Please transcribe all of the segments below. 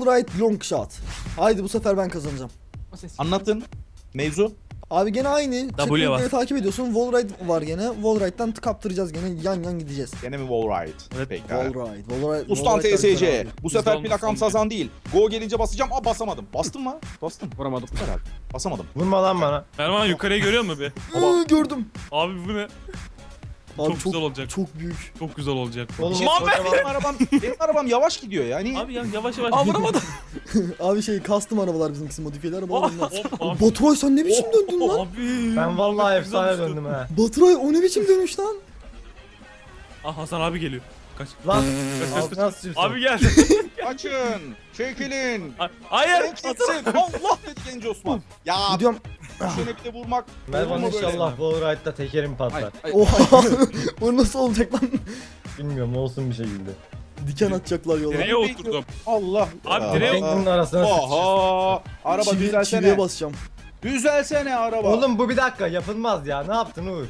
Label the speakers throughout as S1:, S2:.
S1: Wallride long shot. Haydi bu sefer ben kazanacağım.
S2: Anlatın. Mevzu.
S1: Abi gene aynı.
S3: var.
S1: Checkpoint'leri takip ediyorsun. Wallride var gene. Wallride'dan kaptıracağız gene. Yan yan gideceğiz.
S2: Gene mi Wallride?
S3: Evet.
S2: Pekala.
S1: Wallride.
S2: Ustan TSC. Bu
S3: Bizde
S2: sefer
S3: olmaz,
S2: plakam
S3: olmaz.
S2: sazan değil. Go gelince basacağım. Aa basamadım. Bastım mı? Bastım.
S4: Vuramadım.
S2: Herhalde. Basamadım.
S5: Vurma lan bana.
S3: Erman yukarıyı görüyor musun bir?
S1: Gördüm.
S3: Abi bu ne?
S1: Abi
S3: Çok güzel olacak.
S1: Çok büyük.
S3: Çok güzel olacak.
S5: Oğlum,
S2: Bir şey söyleyeyim, benim arabam yavaş gidiyor yani.
S3: Abi ya yavaş yavaş.
S4: Aa vuramadım.
S1: Abi custom arabalar bizimkisi, modifiyeli arabalar bunlar.
S3: Abi.
S1: Baturay sen ne biçim döndün lan?
S3: Abi.
S5: Ben vallahi
S3: Çok güzel
S5: efsane
S3: düştü.
S5: döndüm ha.
S1: Baturay o ne biçim dönüş lan?
S3: Ah Hasan abi geliyor. Kaç.
S5: Lan
S3: Kaç.
S5: altına sıçırsın.
S3: Abi gel.
S2: Açın. Çekilin.
S3: Hayır.
S2: Renk gitsin. Allah dedi genç Osman. Ya
S1: Gidiyorum.
S2: şöyle bir de vurmak.
S5: Mervan
S2: olur mu böyle?
S5: inşallah bu ride'da tekerim patlar.
S4: Ay,
S1: Oha. O nasıl olacak lan?
S5: Bilmiyorum olsun bir şekilde.
S1: Diken atacaklar yola.
S3: Nereye oturdum?
S2: Allah.
S3: Abi
S2: Ya.
S3: direkt-
S5: Teknenin arasına sıçırsın.
S2: Oha. Araba
S1: Çiviye
S2: düzelsene.
S1: basacağım.
S2: Düzelsene araba.
S5: Oğlum bu bir dakika yapılmaz ya. Ne yaptın Uğur?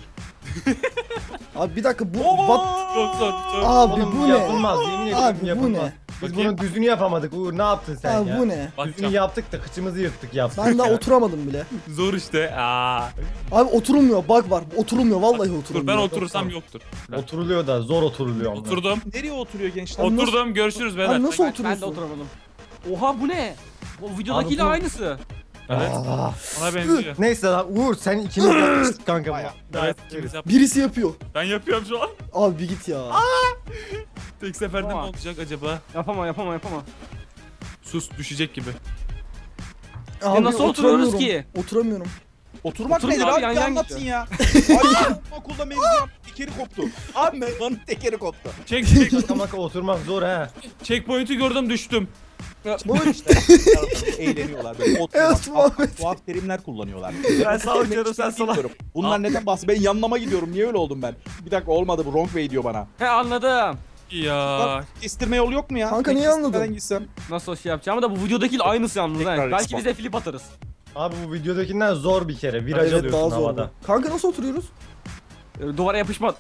S1: Abi bir dakika bu
S2: Oha.
S3: Çok zor. Çok.
S1: Abi
S5: Oğlum
S1: bu ne?
S5: yapılmaz. Yemin ediyorum
S1: Abi bu
S5: yapılmaz.
S1: ne?
S5: Biz
S3: Bakayım.
S5: bunun düzünü yapamadık Uğur. Ne yaptın sen
S1: Abi
S5: ya?
S1: bu ne?
S5: Düzünü
S3: Bakacağım.
S5: yaptık da kıçımızı yırttık yaptık.
S1: Ben daha
S5: ya.
S1: oturamadım bile.
S3: Zor işte. Aa.
S1: Abi oturulmuyor. Bak var. Oturulmuyor. Vallahi
S3: Dur
S1: oturulmuyor.
S3: ben oturursam yoktur.
S5: Oturuluyor da zor oturuluyor. onlar.
S3: Oturdum.
S2: Nereye oturuyor gençler?
S1: Abi nasıl-
S3: Oturdum. Görüşürüz beyler.
S1: Abi nasıl
S4: Ben de
S1: oturuyorsun?
S4: oturamadım. Oha bu ne? O videodakiyle
S5: Abi bu-
S4: aynısı.
S3: Evet.
S5: Aa.
S3: Ona benziyor.
S5: Neyse lan Uğur sen ikimiz yapmıştık kanka.
S2: Bayağı.
S3: Evet. ikimiz yap-
S1: Birisi yapıyor.
S3: Ben yapıyorum şu an.
S1: Abi bir git ya.
S3: Tek seferde ne
S4: Tamam.
S3: olacak acaba?
S4: Yapamam.
S3: Sus düşecek gibi.
S1: Abi
S4: nasıl oturuyoruz ki?
S1: Oturamıyorum.
S2: Oturmak
S4: Oturun
S2: nedir
S4: abi,
S2: abi?
S4: yan
S2: Bir
S4: yan
S2: anlatsın
S4: gidiyor.
S2: ya. Abi okulda mevzu yaptı. Tekeri koptu. Abi Mervan'ın tekeri koptu.
S3: Çek.
S5: Şaka maka oturmak zor he.
S3: Checkpoint'i gördüm düştüm.
S2: Bu işte. Eğleniyorlar böyle.
S1: Evet,
S2: Oturmak,
S1: Muhammed.
S2: tuhaf terimler kullanıyorlar.
S3: Ben sağ uçuyorum sen sola.
S2: Bunlar neden bahsediyor? Ben yanlama gidiyorum. Niye öyle oldum ben? Bir dakika olmadı bu. Wrong way diyor bana.
S4: He anladım.
S3: Ya.
S2: Bak, kestirme yolu yok mu ya?
S1: Kanka,
S2: Ben
S1: niye
S2: kestirmeden
S1: anladın?
S2: gitsem.
S4: Nasıl o şey yapacağımı da bu videodakiyle aynısı yalnız
S2: Tekrar
S4: ha. Belki
S2: respawn.
S4: bize flip atarız.
S5: Abi bu videodakinden zor bir kere. Viraj
S1: Evet
S5: alıyorsun
S1: daha zor.
S5: havada.
S1: Kanka nasıl oturuyoruz?
S4: Duvara yapışma.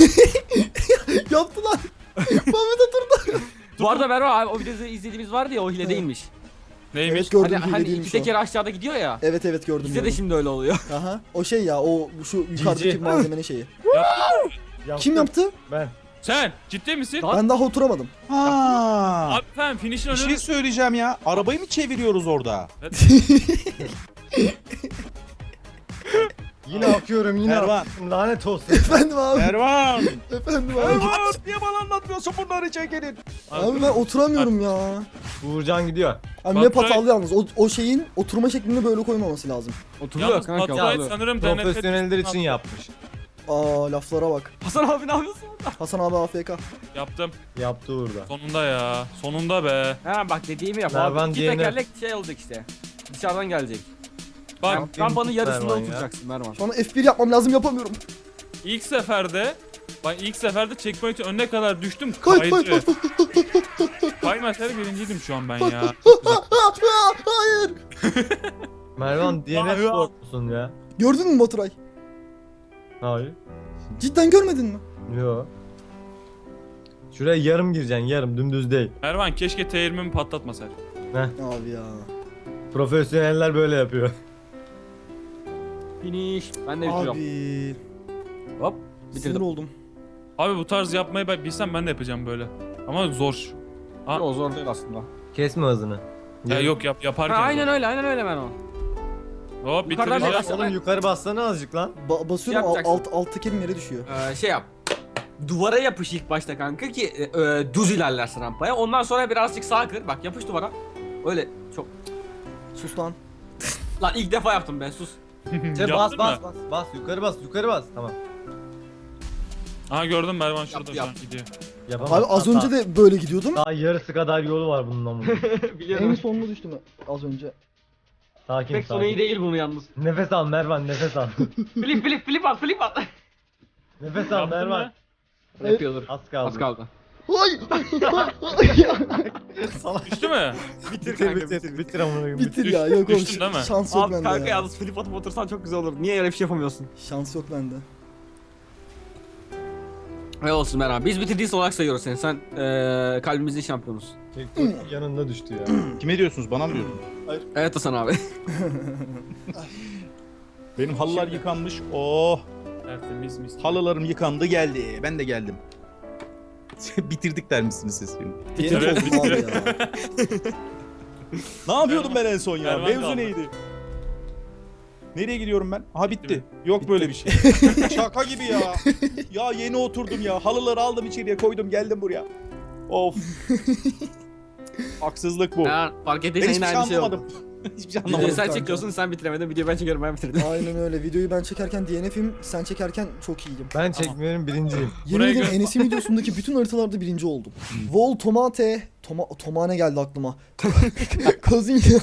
S1: Yaptı lan. Muhammed oturdu.
S4: Bu arada Merve abi o videoda izlediğimiz vardı ya o hile değilmiş.
S3: Neymiş?
S1: Evet gördüm.
S4: Hani iki
S1: değilmiş o.
S4: teker aşağıda gidiyor ya.
S1: Evet evet gördüm.
S4: Bizde de
S1: gördüm.
S4: şimdi öyle oluyor.
S1: Aha. O şey ya o şu yukarıdaki
S5: Cici.
S1: malzemenin şeyi.
S5: Yaptım.
S1: Kim yaptı?
S5: Ben.
S3: Sen ciddi misin?
S4: Lan-
S1: Ben daha oturamadım.
S2: Ha.
S3: Abi sen finish'in
S2: Bir şey
S3: önünü...
S2: söyleyeceğim ya. Arabayı mı çeviriyoruz orada?
S5: Yine akıyorum yine
S2: Mervan.
S5: akıyorum. Lanet olsun.
S1: Efendim abi.
S2: Mervan.
S1: Efendim abi.
S2: Mervan. Niye bana anlatmıyorsun bunları çekelim?
S1: Abi ben oturamıyorum ya.
S5: Uğurcan gidiyor.
S1: Abi
S3: Bak,
S1: map
S3: Baturay-
S1: hatalı yalnız. O şeyin oturma şeklini böyle koymaması lazım.
S4: Oturuyor
S3: Yalnız
S4: kanka.
S3: Baturay
S4: oturuyor.
S3: sanırım
S5: Profesyoneller için yapmış.
S1: Aa laflara bak.
S4: Hasan abi ne yapıyorsun?
S1: Hasan abi AFK.
S3: Yaptım.
S5: Yaptı Uğur'da.
S3: Sonunda ya. Sonunda be.
S4: Ha bak dediğimi yap
S5: Mervan
S4: abi. İki
S5: diğerine-
S4: tekerlek şey olacak işte. Dışarıdan gelecek.
S3: Bak
S4: Yani rampanın yarısında
S5: Mervan ya.
S4: oturacaksın Mervan.
S1: Şu an F1 yapmam lazım yapamıyorum.
S3: ilk seferde checkpoint'in önüne kadar düştüm
S1: Kay
S3: kaydı.
S1: kay kay.
S3: Kaymasaydı birinciydim şu an ben ya.
S1: Hayır.
S5: Mervan DNF
S3: Aa,
S5: spor musun ya?
S1: Gördün mü Baturay?
S5: Hayır.
S1: Cidden görmedin mi?
S5: Yo. Şuraya yarım gireceksin yarım dümdüz değil.
S3: Ervan keşke T20'mi patlatmasaydı.
S1: Abi ya.
S5: Profesyoneller böyle yapıyor.
S4: Finish. Ben de bitiriyorum.
S1: Abi.
S4: Hop.
S1: Sinir
S4: Bitirdim.
S1: oldum.
S3: Abi bu tarz yapmayı ben bilsem ben de yapacağım böyle. Ama zor. Ha.
S4: O zor değil aslında.
S5: Kesme hızını.
S3: Ya yok yaparken.
S4: Ha, aynen
S3: zor.
S4: öyle Mervan.
S3: Hop
S4: Yukarıdan
S3: bitireceğiz.
S4: biraz-
S5: Oğlum yukarı bassana azıcık lan.
S1: Basıyorum
S4: Yapacaksın.
S1: alt tekerim yere düşüyor.
S4: Şey yap. Duvara yapış ilk başta kanka ki düz ilerlersin rampaya. Ondan sonra birazcık sağa kır. Bak yapış duvara. Öyle çok.
S1: Sus lan.
S4: Lan ilk defa yaptım ben sus.
S5: Sen
S3: Yaptın
S5: bas
S3: mı?
S5: bas yukarı bas tamam.
S3: Aha gördüm Mervan şurada şu an
S4: Yap.
S3: gidiyor.
S5: Yapamam.
S1: Abi az önce de böyle gidiyordum.
S5: Daha yarısı kadar yolu var bunun ama.
S1: En
S4: Biliyorum.
S1: sonuna düştüm az önce.
S5: Sakin
S4: Pek sonu iyi
S5: sakin.
S4: değil bunu yalnız.
S5: Nefes al Mervan nefes al.
S4: Flip at.
S5: Nefes al
S3: Yaptın
S5: Mervan.
S3: mı?
S4: Yapıyordur.
S5: Az kaldı.
S4: Az kaldı.
S1: Ay!
S3: Düştü mü?
S5: Bitir amına koyayım.
S1: Bitir ya yok oğlum.
S3: Düştün değil mi?
S1: Şans yok
S4: Abi
S1: bende
S4: kanka
S1: ya.
S4: yalnız flip atıp otursan çok güzel olur. Niye öyle bir şey yapamıyorsun?
S1: Şans yok bende.
S4: Ne olsun Mervan. Biz bitirdiyse olarak sayıyoruz seni. Sen kalbimizin şampiyonusun.
S5: TikTok yanında düştü ya.
S2: Kime diyorsunuz? Bana mı diyorsunuz?
S4: Evet Hasan abi.
S2: Benim halılar yıkanmış. Oh.
S3: Tertemiz mis.
S2: Halılarım yıkandı geldi. Ben de geldim. Bitirdik der misiniz siz beni?
S1: Bitir
S3: Evet,
S1: oldum abi ya.
S2: Ne yapıyordum ben en son ya?
S3: Erman
S2: Mevzu
S3: kaldı.
S2: neydi? Nereye gidiyorum ben? Aha bitti. Yok böyle bir şey. Şaka gibi ya. Ya yeni oturdum ya. Halıları aldım içeriye koydum geldim buraya. Of. Haksızlık bu.
S4: Ya, fark
S2: Ben
S4: ettiysen
S2: hiçbir
S4: yine
S2: şey
S4: aynı şey oldu.
S2: anlamadım. Hiçbir şey
S4: Videoyu
S2: anlamadım.
S4: sen
S1: kanka.
S4: çekiyorsun, sen bitiremedin. Videoyu ben çekiyorum, ben bitirdim.
S1: Aynen öyle. Videoyu ben çekerken DNF'im, sen çekerken çok iyiyim.
S5: Ben çekmiyorum birinciyim.
S1: Yemin
S3: Buraya
S1: ederim
S3: gö-
S1: Enes'in videosundaki bütün haritalarda birinci oldum. Vol Tomate. Tomane geldi aklıma. Kazın ya.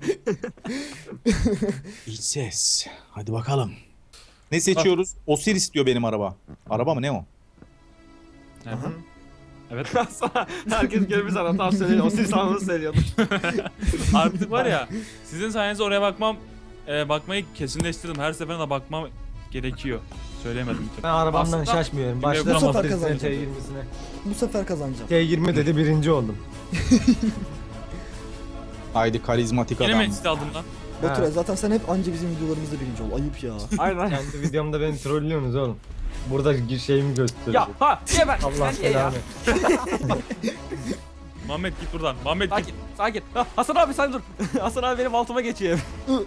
S2: İç ses. Hadi bakalım. Ne seçiyoruz? Osiris diyor benim araba. Araba mı ne o?
S3: Aha. Evet.
S4: Sana herkes gelmiş sana tam söylüyor. O siz anını söylüyordu.
S3: Artık var ya, sizin sayenizde oraya bakmayı kesinleştirdim. Her seferinde bakmam gerekiyor. Söyleyemedim.
S5: Ben arabamdan
S3: Aslında-
S5: şaşmıyorum.
S3: Bu
S5: Başladım
S1: sefer
S5: Osiris'in
S1: kazanacağım.
S5: T20'sine.
S1: Bu sefer kazanacağım.
S5: T20 dedi birinci oldum.
S2: Haydi karizmatik
S3: Yine
S2: adam.
S3: mi işte aldım lan?
S1: Baturay
S5: Ha.
S1: zaten sen hep anca bizim videolarımızda birinci ol. Ayıp ya.
S4: Aynen.
S5: Kendi videomda beni trollüyorsunuz oğlum. Burada şeyimi gösteriyor.
S4: Ya ha niye ben?
S5: Allah
S4: Sen niye ya?
S5: selamı.
S3: Muhammed git buradan. Muhammed git.
S4: Sakin, sakin. Ha, Hasan abi sen dur. Hasan abi benim altıma geçiyor.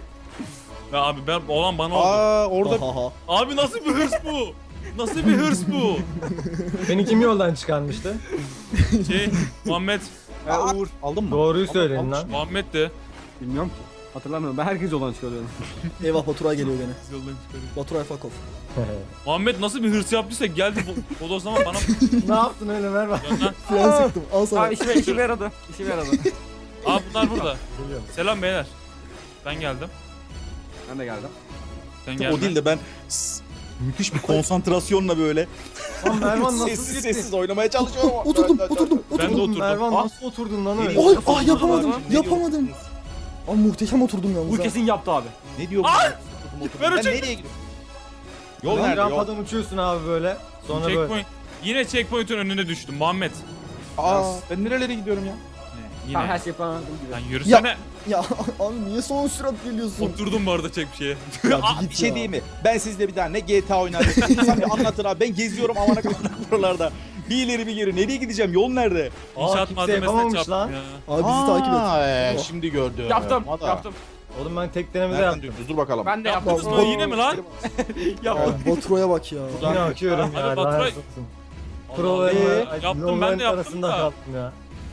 S3: Ya abi ben olan bana oldu.
S2: Aa orada
S1: Ha ha ha.
S3: Abi nasıl bir hırs bu? Nasıl bir hırs bu?
S5: Beni kim yoldan çıkarmıştı?
S3: Muhammed.
S4: Uğur.
S2: aldın mı?
S5: Doğruyu söyleyin lan.
S3: Muhammed de.
S4: Bilmiyorum ki. Hatırlamıyorum. Ben herkes yoldan çıkarıyorum.
S1: Eyvah Baturay geliyor gene.
S3: Yoldan çıkarıyor.
S1: Baturay fuck off.
S3: Muhammed nasıl bir hırs yaptıysa geldi bodoslama bana.
S5: Ne yaptın öyle Mervan?
S3: Gönder.
S1: Fren sıktım. Al sana.
S4: Abi işime yaradı. İşime yaradı.
S3: Aa bunlar burada.
S5: Geliyorum.
S3: Selam beyler. Ben geldim.
S4: Ben de geldim.
S3: Sen geldin.
S2: O değil de ben müthiş bir konsantrasyonla böyle
S5: Lan Mervan nasıl
S2: sessiz
S5: gitti?
S2: sessiz oynamaya çalışıyorum.
S1: Oturdum, oturdum,
S3: Ben de
S1: oturdum.
S3: oturdum.
S5: Mervan
S4: Ah.
S5: nasıl oturdun lan öyle?
S1: Ay,
S4: Nasıl
S1: ah yapamadım,
S4: oturdun
S1: yapamadım. Aa muhteşem oturdum yalnız
S4: Bu
S1: ha.
S4: kesin yaptı abi.
S2: Ne diyor bu?
S3: Ver o
S2: Ben
S3: çek-
S2: nereye gidiyorum? Yol
S5: Lan
S2: nerede yol?
S5: rampadan uçuyorsun abi böyle. Sonra böyle.
S3: Checkpoint. Yine checkpoint'un önüne düştüm Muhammed.
S2: Aa ben nerelere gidiyorum ya?
S3: Yine.
S4: Tam her şey yapamadım gibi.
S3: Lan yürüsene.
S1: Ya abi niye son sürat geliyorsun?
S3: Oturdum bu arada çek bir şeye.
S1: Ya
S2: Aa,
S1: git
S2: bir şey
S1: ya.
S2: diyeyim mi? Ben sizle bir daha ne GTA oynarım. İnsan bir anlatır abi. Ben geziyorum amana kadar buralarda. Bir ileri bir geri. Nereye gideceğim? Yol nerede?
S3: İnşaat
S5: kimse
S3: malzemesine
S5: yapamamış
S3: çarptım
S5: lan.
S3: ya.
S1: Abi bizi takip et.
S2: Aa, şimdi gördüm.
S4: Yaptım,
S2: Hadi.
S4: yaptım.
S5: Oğlum ben tek denemede
S2: Nereden
S5: yaptım.
S2: diyorsunuz? Dur bakalım.
S4: Ben de
S3: Yaptınız
S4: yaptım.
S3: mı? Yine mi lan?
S4: Yaptım.
S1: Abi Baturay'a bak ya.
S5: Yine akıyorum
S3: Hadi
S5: ya.
S3: Baturay.
S5: Lanet olsun.
S3: Allah
S5: Prolarımı,
S3: Allah. Yaptım ben de yaptım
S5: arasında
S3: da.
S5: kaldım ya.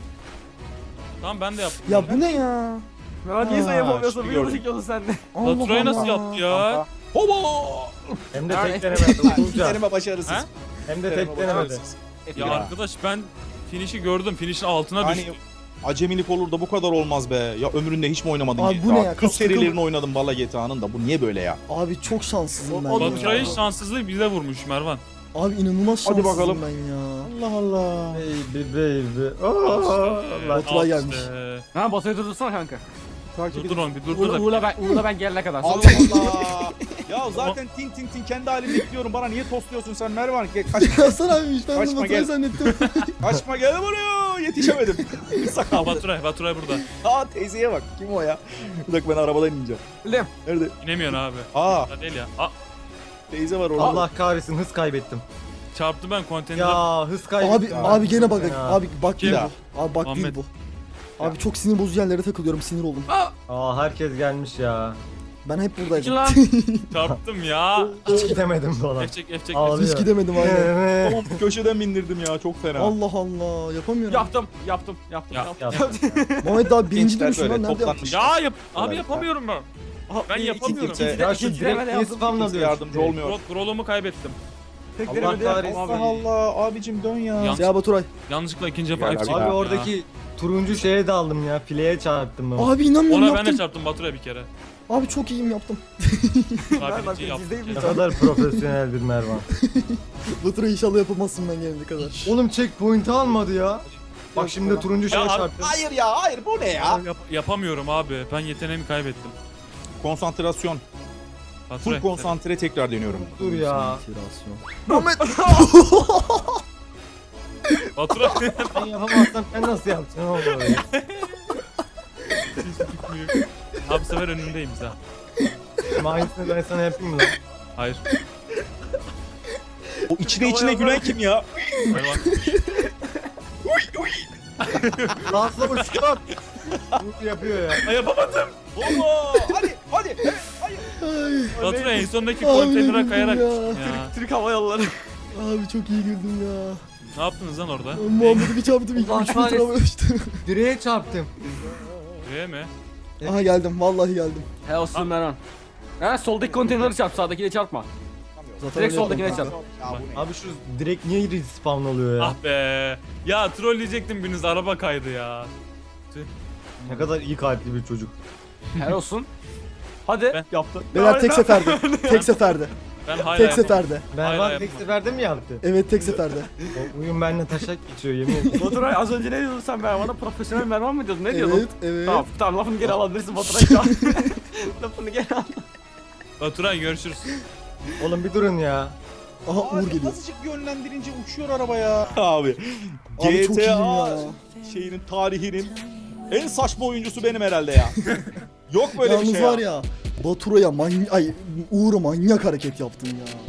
S3: Tamam ben de yaptım.
S1: Ya bu ne ya?
S4: Merak niye sen
S2: Aa,
S4: yapamıyorsun?
S2: şimdi
S4: Bir yolu
S2: gördüm.
S4: çekiyorsun sen de.
S1: Allah
S3: Baturay'ı nasıl
S1: Allah.
S3: yaptı ya?
S2: Hobo!
S5: Hem de
S4: Ya,
S5: tek denemede usulca.
S2: Deneme başarısız.
S3: Ha?
S5: Hem de tek denemede.
S3: Ya arkadaş ben finish'i gördüm. Finish'in altına
S2: Hani
S3: düştüm.
S2: acemilik olur da bu kadar olmaz be. Ya ömründe hiç mi oynamadın
S1: Abi
S2: GTA?
S1: bu ne ya?
S2: Tüm
S1: Kas-
S2: serilerini oynadım valla GTA'nın da. Bu niye böyle ya?
S1: Abi çok şanssızım ben
S3: Baturay'ın
S1: ya.
S3: şanssızlığı bize vurmuş Mervan.
S1: Abi inanılmaz
S2: Hadi
S1: şanssızım
S2: bakalım.
S1: ben ya.
S2: Allah Allah.
S5: Baby. Allah.
S1: Baturay
S3: Al
S1: gelmiş.
S3: işte.
S4: Ha basayı durdursana kanka.
S3: Dur onu bir dur da.
S4: Uğur'la ben gelene kadar.
S2: Allah Allah. Ya zaten tin tin tin kendi halimde gidiyorum. Bana niye tostluyorsun sen Mervan?
S1: Hasan abiymiş ben
S2: Kaçma,
S1: bunu Baturay
S2: gel.
S1: zannettim.
S2: Kaçma gel buraya. Yetişemedim.
S3: Aa,
S2: Sakal.
S3: Baturay burada.
S2: Aa teyzeye bak. Kim o ya? Bir dakika ben arabadan ineceğim.
S4: Lim.
S2: Nerede?
S3: İnemiyorsun abi.
S2: Aa
S3: Da değil ya. Aa,
S2: teyze var orada.
S5: Allah kahretsin hız kaybettim.
S3: çarptım ben konteynere.
S5: Ya hız kaybettim.
S1: Abi gene bak.
S5: Ya.
S1: Abi bak değil
S2: Ya.
S1: bu. Abi bak değil
S3: Muhammed.
S1: bu. Abi çok sinir bozucu yerlere takılıyorum. Sinir oldum.
S5: Aa herkes gelmiş ya.
S1: Ben hep
S4: İki
S1: buradaydım.
S4: lan.
S3: Çarptım ya.
S5: Hiç gidemedim falan.
S3: Efçek efçek.
S5: Ağlıyor.
S1: Hiç gidemedim abi.
S2: Tamam köşeden bindirdim ya çok fena.
S1: Allah Allah yapamıyorum.
S4: Yaptım.
S3: Ya,
S1: Muhammed daha birinci
S2: Gençler
S1: demişim
S2: böyle
S1: lan nerede
S2: toplanmış.
S1: yaptın?
S3: Ya abi
S2: Evet.
S3: yapamıyorum ben. Ben yapamıyorum.
S2: kimse-
S5: Ya şu direkt niye spamla
S2: Kimse
S5: diyorsun?
S2: yardımcı olmuyor.
S3: Scroll'umu kaybettim.
S4: Tek
S5: Allah
S4: denemede
S5: kahretsin.
S4: yaptım abi.
S2: Allah Allah abicim dön ya.
S3: Ya.
S1: Ya Baturay.
S3: Yanlışlıkla ikinci defa
S2: Gel
S3: efçek
S2: abi.
S5: Abi
S3: yaptım
S5: oradaki turuncu şeye daldım ya. Fileye çarptım ben.
S1: Abi inanmıyorum
S3: Ona ben
S1: yaptım.
S3: de çarptım Batur'a bir kere.
S1: Abi çok iyiyim yaptım.
S3: Abi
S4: bak,
S3: birinciyi yaptım.
S4: siz değil
S3: bir
S5: Ne
S3: kere.
S5: kadar profesyoneldir Mervan.
S1: Baturay inşallah yapamazsın ben gelene kadar.
S5: Oğlum checkpoint'i almadı ya. Bak şimdi turuncu şeye
S3: Ya abi-
S5: çarptım.
S2: Hayır ya hayır bu ne ya?
S3: Yapamıyorum abi. Ben yeteneğimi kaybettim.
S2: Konsantrasyon.
S3: Batur'a.
S2: Full konsantre tekrar deniyorum.
S5: Dur ya.
S1: Muhammed.
S3: Baturay.
S5: Ben yapamazsam sen nasıl yapacaksın oğlum orayı?
S3: Abi bu sefer önündeyim ha.
S5: Ama aynısını ben sana yapayım mı lan?
S3: Hayır.
S2: O içine gülen kim ya?
S3: Hayır bak.
S5: Lansa uçuyor. Bu yapıyor ya.
S3: Ay yapamadım.
S2: Baba hadi evet hayır.
S1: Ay,
S3: Baturay en sondaki
S1: Abi
S3: konteynere
S1: güldüm
S3: kayarak.
S1: ya.
S3: Ya.
S4: Türk Hava Yolları.
S1: abi çok iyi güldüm ya.
S3: Ne yaptınız lan orada?
S1: Muhammed'i bir çarptım. 3
S5: Allah
S1: metre
S5: kahretsin.
S1: havaya uçtum.
S5: Direğe çarptım.
S3: Buraya mi?
S1: Aha geldim. Vallahi geldim.
S4: He olsun Meron. Ha soldaki konteyneri çarp, sağdakine çarpma.
S1: Zaten
S4: Direkt
S1: öyle
S4: soldakine
S1: yaptım
S4: çarp.
S1: kanka.
S2: Ya bu ne?
S5: Abi şu direkt niye respawn oluyor ya?
S3: Ah be. Ya trolleyecektim biriniz araba kaydı ya.
S5: Ne kadar iyi kalpli bir çocuk.
S4: He olsun. Hadi
S3: Ben-
S4: yaptın.
S1: Beyler tek seferde. Tek seferde.
S3: Ben hala
S1: Tek
S3: yapamadım.
S1: seferde.
S3: Hayır,
S5: Mervan
S3: hayır,
S5: tek
S3: yapma.
S5: seferde mi yaptı?
S1: Evet tek seferde.
S5: O oyun benimle taşak geçiyor yemin ederim.
S4: Baturay az önce ne diyordun sen Mervan'a? Profesyonel Mervan mı diyordun? Ne diyordun?
S1: Evet evet.
S4: Tamam lafını geri alabilirsin Baturay şu an. Lafını geri al.
S3: Baturay görüşürüz.
S5: Oğlum bir durun ya.
S1: Aha Uğur
S2: Abi
S1: geliyor.
S2: azıcık yönlendirince uçuyor araba ya. Abi.
S1: Abi çok iyiyim
S2: GTA
S1: ya.
S2: şeyinin tarihinin en saçma oyuncusu benim herhalde ya. Yok böyle
S1: Yalnız
S2: bir şey
S1: var ya. Baturay'a Uğur'a manyak hareket yaptın ya.